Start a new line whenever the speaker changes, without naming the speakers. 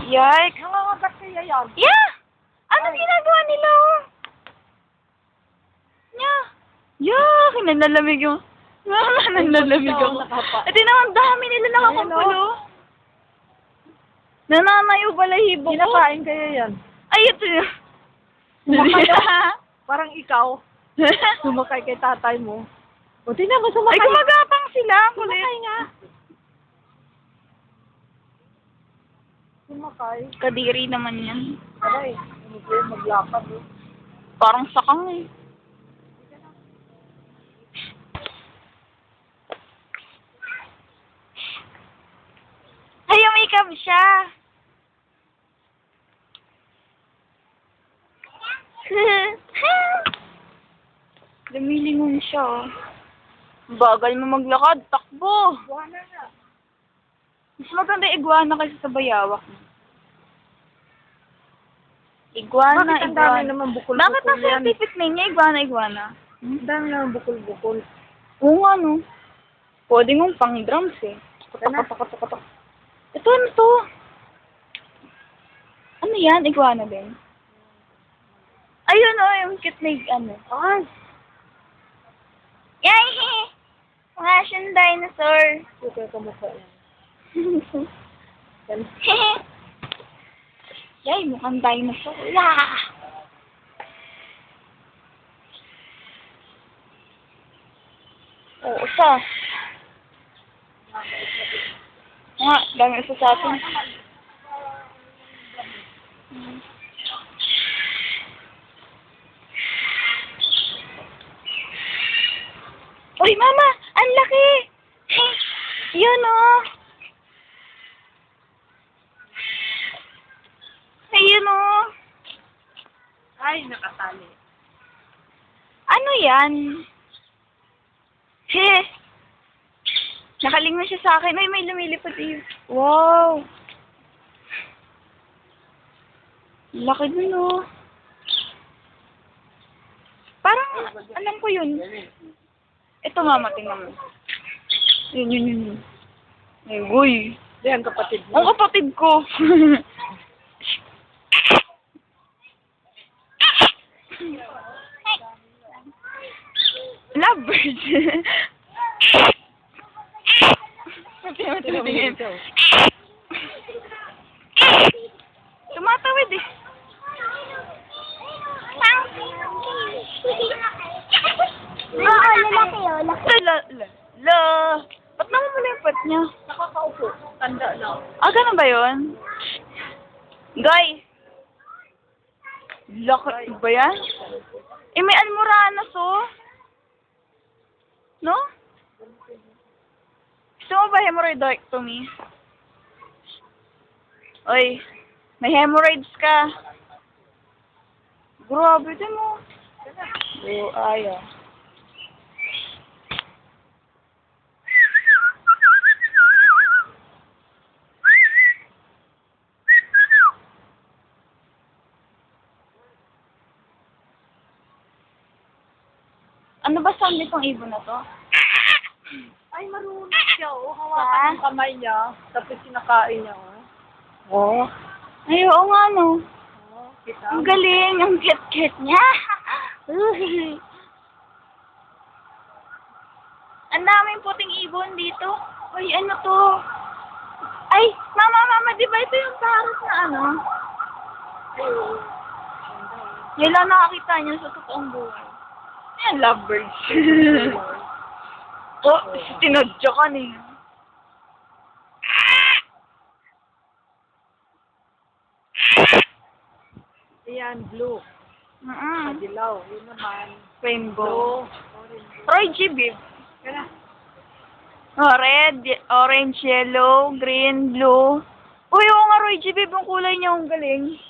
Yikes!
Nangangagat kaya yan.
Yeah! Ano ginagawa nila? Yeah! Yeah! Nanlalamig yung... Nanlalamig ako. At ang dami nila nakakumpulo. Nananayo balahibo ko.
Kinakain kaya yan.
Ay, ito yun.
Sumakay parang ikaw. Sumakay kay tatay mo. O, tingnan mo, sumakay.
Ay, gumagapang sila. Kulit.
Sumakay nga. Sumakay.
Kadiri naman yan.
Aray, ano ba yun, maglakad eh.
Parang sakang eh. Ay, makeup siya. Lumilingon siya, oh. Bagal mo maglakad, takbo.
Buwana nga.
Mas maganda iguana kasi sa bayawak. Iguana,
Bakit ang dami
iguana.
naman bukol-bukol
Bakit ang
yan?
scientific name niya, iguana?
Ang dami naman bukol-bukol.
Oo nga, no. Pwede mong pang drums, eh.
Katak.
Ito, ano to? Ano yan? Iguana din? Ayun, oh, yung cute na ano.
Ay,
Yay! Mga siyang dinosaur.
okay ka mukha yan. Yan.
Yay, mukhang dinosaur. Yeah! Oo, usas. Nga, dami usas sa atin. Uy, mama! Ang laki! Yun, oh! Ayun, oh!
Ay, nakatali.
Ano yan? He! Nakalingon siya sa akin. Ay, may lumilipad iyo. Wow! Laki dun, oh. Parang, alam ko yun. Ito, mama, tingnan mo. Yun. Ay, uy.
Yan, kapatid mo.
Ang kapatid ko. Lovebirds. Tingin. Tumatawid eh.
Oo, lalaki yun.
La. Ba't naman mo yung pat niya?
Nakakaupo. Tanda na.
Ah, ganun ba yun? Guy. Laki ba yan? Eh, may almoranas, oh. No? Gusto mo ba hemorrhoidectomy? Oy, may hemorrhoids ka. Grabe din mo. Oh, ayaw. Ano ba sabi pang ibon na to?
Ay, marunong siya. Oh, hawakan ng kamay niya. Tapos sinakain niya. Oh.
Ay, oo nga, no.
Oh, kita.
Ang galing, ang cute-cute niya. Ang daming puting ibon dito. Uy, ano to? Ay, mama, di ba ito yung parrot na ano? Yan lang nakakita niyo sa totoong buhay. Ayan, lovebirds. Oh, tinadya ka niya.
Ayan, blue. Dilaw. Yun naman.
Rainbow.
Orange.
Roy G, babe.
Kaya
Oh, red, orange, yellow, green, blue. Uy, oo nga, Roy G, babe, ang kulay niya, ang galing.